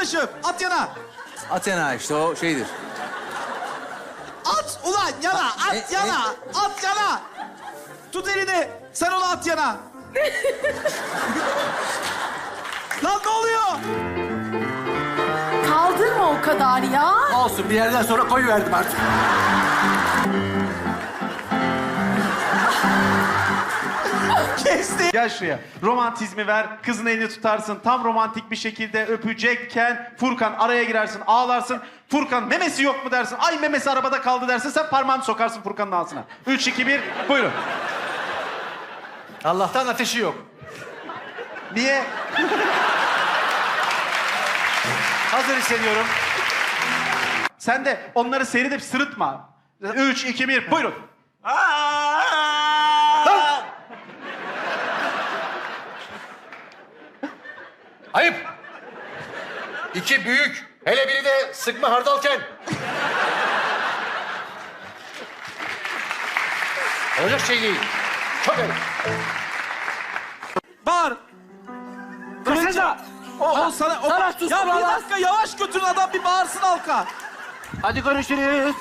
arkadaşım. At yana. Athena işte o şeydir. At ulan yana. At yana. At yana. Tut elini. Sen onu at yana. Lan ne oluyor? Kaldırma o kadar ya. Olsun bir yerden sonra koyuverdim artık. Kesti. Gel şuraya. Romantizmi ver. Kızın elini tutarsın. Tam romantik bir şekilde öpecekken Furkan araya girersin, ağlarsın. Furkan memesi yok mu dersin. Ay memesi arabada kaldı dersin. Sen parmağını sokarsın Furkan'ın ağzına. 3, 2, 1. Buyurun. Allah'tan ateşi yok. Niye? Hazır hissediyorum. Sen de onları seyredip sırıtma. 3, 2, 1. Buyurun. Ayıp. İki büyük. Hele biri de sıkma hardalken. Olacak şey değil. Çok ayıp. Bağır. Kılıca. O sana... Sana sus Ya bir buralar. dakika yavaş götürün adam bir bağırsın halka. Hadi görüşürüz.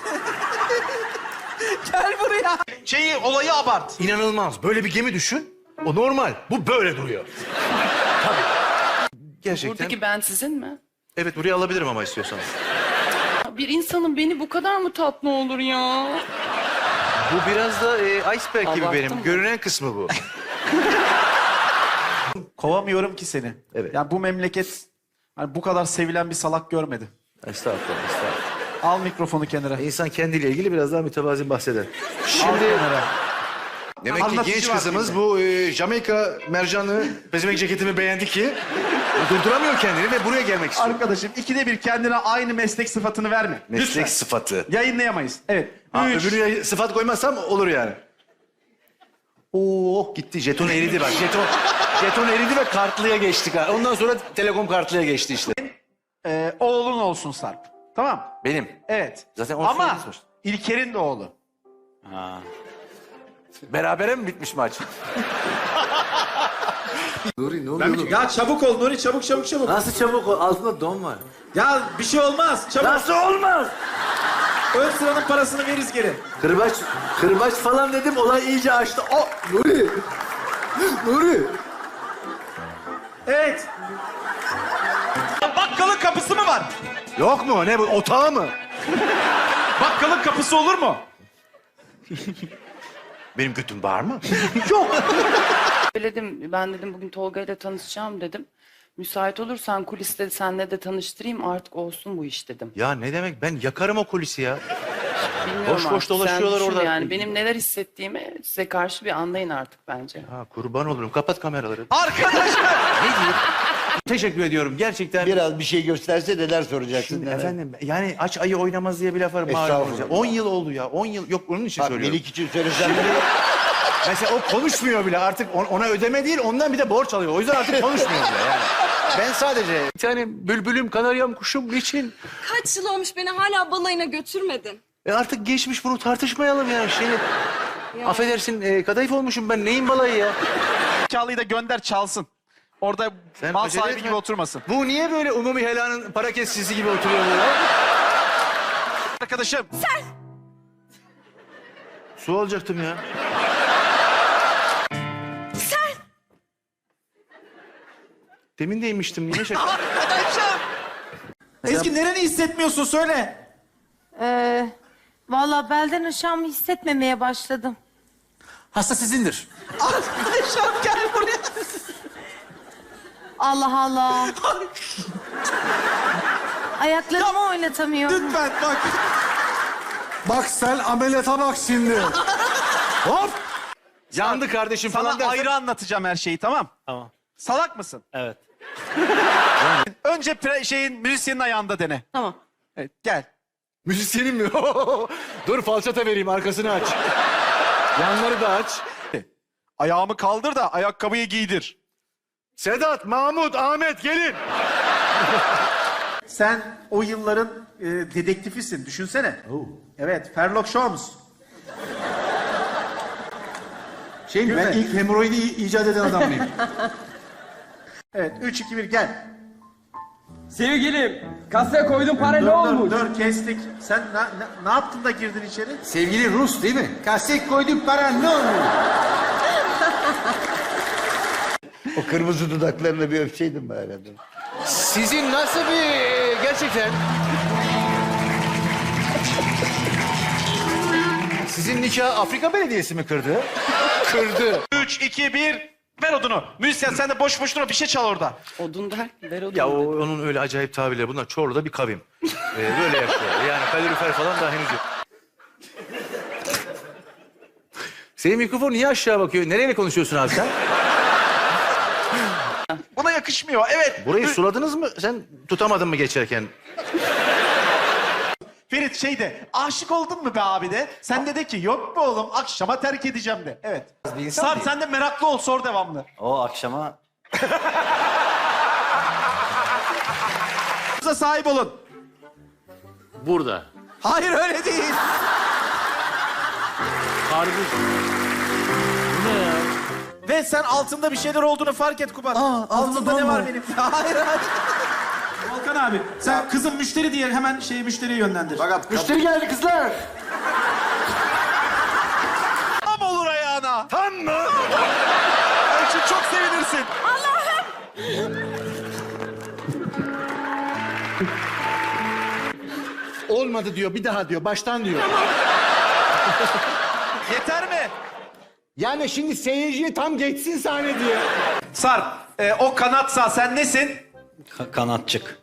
Gel buraya. Olayı abart. İnanılmaz. Böyle bir gemi düşün. O normal. Bu böyle duruyor. Tabii. Gerçekten. Buradaki ben sizin mi? Evet, buraya alabilirim ama istiyorsan. Bir insanın beni bu kadar mı tatlı olur ya? Bu biraz da iceberg gibi Abarttın benim. mı? Görünen kısmı bu. Kovamıyorum ki seni. Evet. Yani bu memleket hani bu kadar sevilen bir salak görmedi. Estağfurullah, estağfurullah. Al mikrofonu kenara. İnsan kendiyle ilgili biraz daha mütevazı bahseder. Al Şimdi kenara. demek ki Anlatıcı genç var kızımız filmde. bu Jamaika mercanlı pezevenk ceketimi beğendi ki durduramıyor kendini ve buraya gelmek istiyor. Arkadaşım 2'de 1 kendine aynı meslek sıfatını verme. Meslek Lütfen. sıfatı. Yayınlayamayız. Evet. Ha, 3. öbürüne sıfat koymazsam olur yani. Oo gitti. Jeton eridi bak. Jeton eridi ve kartlıya geçtik. Ondan sonra telekom kartlıya geçti işte. Oğlun olsun Sarp. Tamam. Benim. Evet. Zaten onu Ama söyledin sonuçta. İlker'in de oğlu. Berabere mi bitmiş maç? Nuri ne oluyor oğlum? Ya çabuk ol Nuri çabuk. Nasıl çabuk o? Altında don var. Ya bir şey olmaz çabuk. Nasıl olmaz? Ön sıranın parasını veririz geri. Kırbaç falan dedim olay iyice açtı. O Nuri. Evet. Bakkalın kapısı mı var? Yok mu? Ne bu? Otağı mı? Bakkalın kapısı olur mu? Benim götüm var mı? Söyledim, ben dedim bugün Tolga ile tanışacağım dedim. Müsait olursan kuliste senle de tanıştırayım artık olsun bu iş dedim. Ya ne demek? Ben yakarım o kulisi ya. Bilmiyorum Boş boş artık, dolaşıyorlar sen düşün orada. Yani benim neler hissettiğimi size karşı bir anlayın artık bence. Ha kurban olurum. Kapat kameraları. Arkadaşım. Teşekkür ediyorum. Gerçekten. Biraz bir şey gösterse neler soracaksın. Şimdi neler? efendim yani aç ayı oynamaz diye bir laf var. malum Estağfurullah. olacak. 10 yıl oldu ya. 10 yıl. Yok onun için Bak söylüyorum. Melik için söylesem de Mesela o konuşmuyor bile artık ona ödeme değil ondan bir de borç alıyor. O yüzden artık konuşmuyor bile yani. Ben sadece bir tane bülbülüm, kanaryam, kuşum niçin? Kaç yıl olmuş beni hala balayına götürmedin. Artık geçmiş bunu tartışmayalım yani. Affedersin kadayıf olmuşum ben neyin balayı ya? Çalıyı da gönder çalsın. Orada Sen mal acele sahibi etme. gibi oturmasın. Bu niye böyle umumi helanın para kesicisi gibi oturuyor burada? Arkadaşım. Su alacaktım ya. Demin de inmiştim. Niye şaka? Arkadaşım. Ezgi nereni hissetmiyorsun söyle. Vallahi belden aşağımı hissetmemeye başladım. Hasta sizindir. Arkadaşım gel buraya. Allah Allah. Ayaklarımı oynatamıyorum. Lütfen bak. Bak sen ameliyata bak şimdi. Hop! Yandı kardeşim Sana falan dersen... ayrı anlatacağım her şeyi tamam? Tamam. Salak mısın? Evet. Önce müzisyenin ayağında dene. Tamam. Evet gel. Müzisyenim mi? Dur falçata vereyim arkasını aç. Yanları da aç. Ayağımı kaldır da ayakkabıyı giydir. Sedat, Mahmut, Ahmet gelin. Sen o yılların dedektifisin. Düşünsene. Evet, Sherlock Holmes. Ben ilk hemoroidi icat eden adam mıyım? Evet, 3, 2, 1 gel. Sevgilim, kasaya koydum para ne olmuş? Dur kestik. Sen ne yaptın da girdin içeri? Sevgili Rus değil mi? Kasek koyduk para ne olur? O kırmızı dudaklarını bir öpseydim bari adam. Sizin nasıl bir gerçekten... Sizin nikah Afrika Belediyesi mi kırdı? Kırdı. 3, 2, 1. Ver odunu. Müzisyen sen de boş boş durma bir şey çal orada. Odun der, ver odun. Ya onun öyle acayip tabirleri. Bunlar Çorlu'da bir kavim. Böyle yapıyor. Yani kalorifer falan daha henüz yok. Senin mikrofon niye aşağı bakıyor? Nereye konuşuyorsun abi sen? Buna yakışmıyor. Evet. Burayı suladınız mı? Sen tutamadın mı geçerken? Ferit aşık oldun mu be abi de? Sen de ki yok mu oğlum akşama terk edeceğim de. Evet. Sarp sen de meraklı ol sor devamlı. O akşama... Size sahip olun. Burada. Hayır öyle değil. Harbi. Bu ne ya? Ve sen altında bir şeyler olduğunu fark et Kubat. Altında ne var benim? Hayır hayır. Volkan abi sen kızım müşteri diye hemen müşteriyi yönlendir. Müşteri geldi kızlar. Tam olur ayağına. Tam mı? Elçin çok sevinirsin. Olmadı diyor, bir daha diyor, baştan diyor. Yeter mi? Yani şimdi seyirciye tam geçsin sahne diye. Sarp o kanatsa sen nesin? Kanatçık.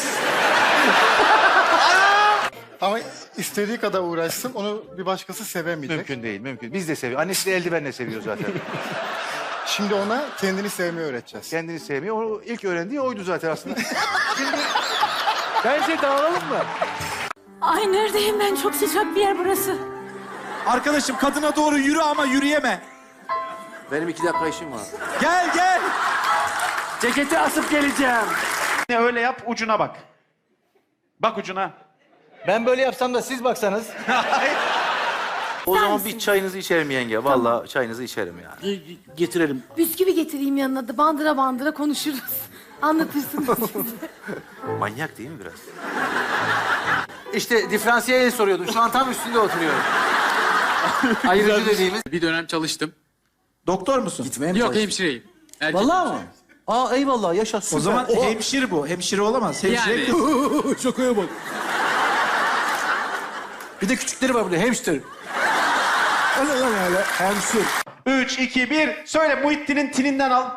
Ama istediği kadar uğraşsın, onu bir başkası sevemeyecek. Mümkün değil, mümkün. Biz de seviyoruz. Annesi de eldivenle seviyor zaten. Şimdi ona kendini sevmeyi öğreteceğiz. Kendini sevmiyor. O ilk öğrendiği oydu zaten aslında. Şimdi bence dağılalım mı? Ay neredeyim ben? Çok sıcak bir yer burası. Arkadaşım kadına doğru yürü ama yürüyeme. Benim 2 dakika işim var. Gel gel. Ceketi asıp geleceğim. Öyle yap ucuna bak. Bak ucuna. Ben böyle yapsam da siz baksanız. O zaman bir çayınızı içerim yenge. Vallahi çayınızı içerim yani. Getirelim. Bisküvi getireyim yanına da bandıra bandıra konuşuruz. Anlatırsınız siz. Manyak değil mi biraz? İşte diferansiyel soruyordum. Şu an tam üstünde oturuyorum. Ayrıcı dediğimiz. Bir dönem çalıştım. Doktor musun? Gitmeye mi Yok çalıştın? hemşireyim. Vallahi mı? Aa eyvallah yaşa süper. O zaman Oha. hemşire bu. Hemşire olamaz. Hemşire Yani. kız. Şakaya bak. Bir de küçükleri var burada hamster. Öyle hamster. 3, 2, 1. Söyle Muhittin'in tininden al.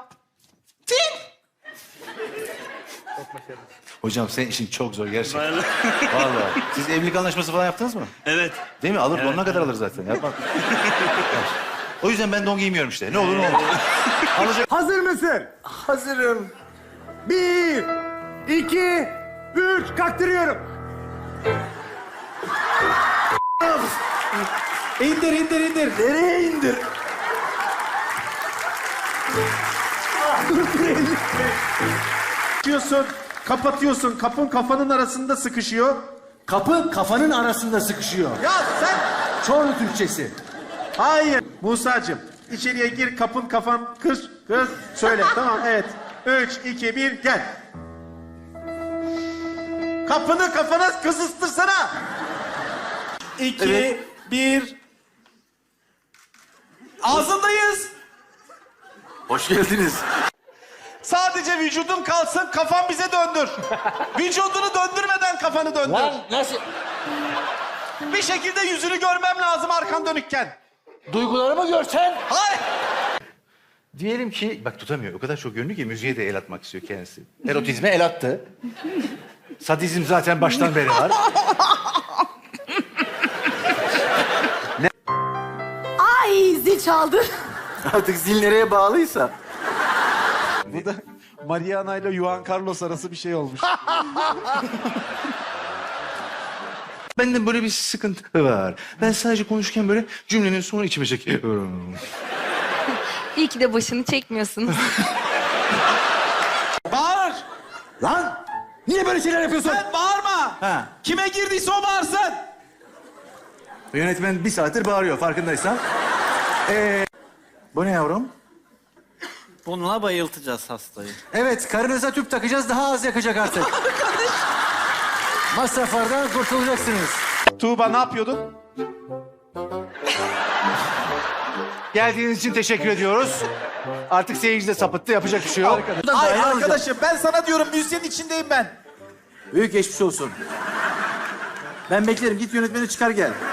Hocam senin işin çok zor gerçekten. Vallahi. Siz evlilik anlaşması falan yaptınız mı? Evet. Değil mi? Alır, donuna kadar alır zaten. Yapmak. O yüzden ben don giymiyorum işte. Ne olur ne olur. Alacak. Hazır mısın? Hazırım. 1, 2, 3, kaktırıyorum. İndir. Nereye indir? Kapatıyorsun. Kapın kafanın arasında sıkışıyor. Kapı kafanın arasında sıkışıyor. Ya sen... Çorlu Türkçesi. Hayır. Musacığım içeriye gir kafan kır. Söyle tamam evet. 3, 2, 1 gel. Kapını kafana kısıstırsana. 2, 1. Ağzındayız. Hoş geldiniz. Sadece vücudun kalsın kafan bize döndür. Vücudunu döndürmeden kafanı döndür. Lan nasıl? Bir şekilde yüzünü görmem lazım arkan dönükken. Duygularımı görsen. Hayır. Diyelim ki, bak tutamıyor. O kadar çok yönlü ki müziğe de el atmak istiyor kendisi. Erotizme el attı. Sadizm zaten baştan beri var. Ay zil çaldı. Artık zil nereye bağlıysa. Bu da Mariana ile Juan Carlos arası bir şey olmuş. Bende böyle bir sıkıntı var. Ben sadece konuşurken böyle cümlenin sonu içime çekiyorum. İyi ki de başını çekmiyorsunuz. Bağır. Lan! Niye böyle şeyler yapıyorsun? Sen bağırma. Ha. Kime girdiyse o bağırsın. Yönetmen bir saattir bağırıyor farkındaysan. Bu ne yavrum? Bununla bayıltacağız hastayı. Evet, karınıza tüp takacağız, daha az yakacak artık. Masraflardan kurtulacaksınız. Tuğba ne yapıyordun? Geldiğiniz için teşekkür ediyoruz. Artık seyirci de sapıttı, yapacak bir şey yok. Ay arkadaşım ben sana diyorum müzisyenin içindeyim ben. Büyük geçmiş olsun. Ben beklerim. Git yönetmeni çıkar gel.